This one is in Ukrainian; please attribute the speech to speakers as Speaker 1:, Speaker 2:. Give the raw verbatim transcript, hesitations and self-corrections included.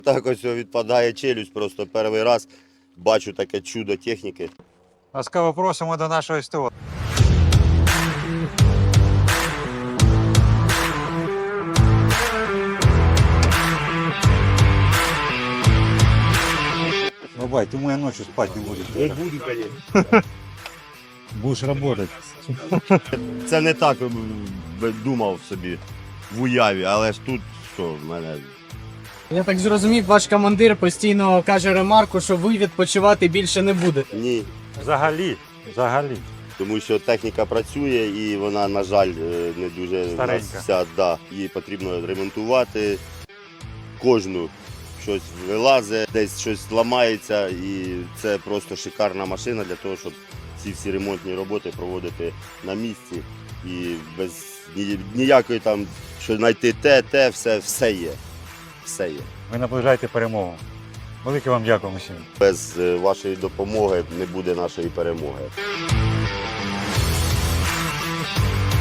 Speaker 1: Так ось відпадає челюсть, просто перший раз бачу таке чудо техніки.
Speaker 2: Ласкаво просимо до нашого СТО. Бабай, ты моей ночью спать не будешь.
Speaker 1: Не буду, звісно.
Speaker 2: Будешь работать.
Speaker 1: Це не так м, думав собі в уяві, але ж тут що, в мене.
Speaker 3: Я так зрозумів, ваш командир постійно каже ремарку, що ви відпочивати більше не будете.
Speaker 1: Ні.
Speaker 2: Взагалі, взагалі.
Speaker 1: Тому що техніка працює і вона, на жаль, е, не дуже в нас
Speaker 2: Старенька.
Speaker 1: вся, да, її потрібно ремонтувати. Кожну щось вилазить, десь щось ламається, і це просто шикарна машина для того, щоб ці всі ремонтні роботи проводити на місці. І без ні- ніякої там, що знайти те, те, все, все є. Все є.
Speaker 2: Ви наближаєте перемогу. Велике вам дякуємо всім.
Speaker 1: Без е, вашої допомоги не буде нашої перемоги.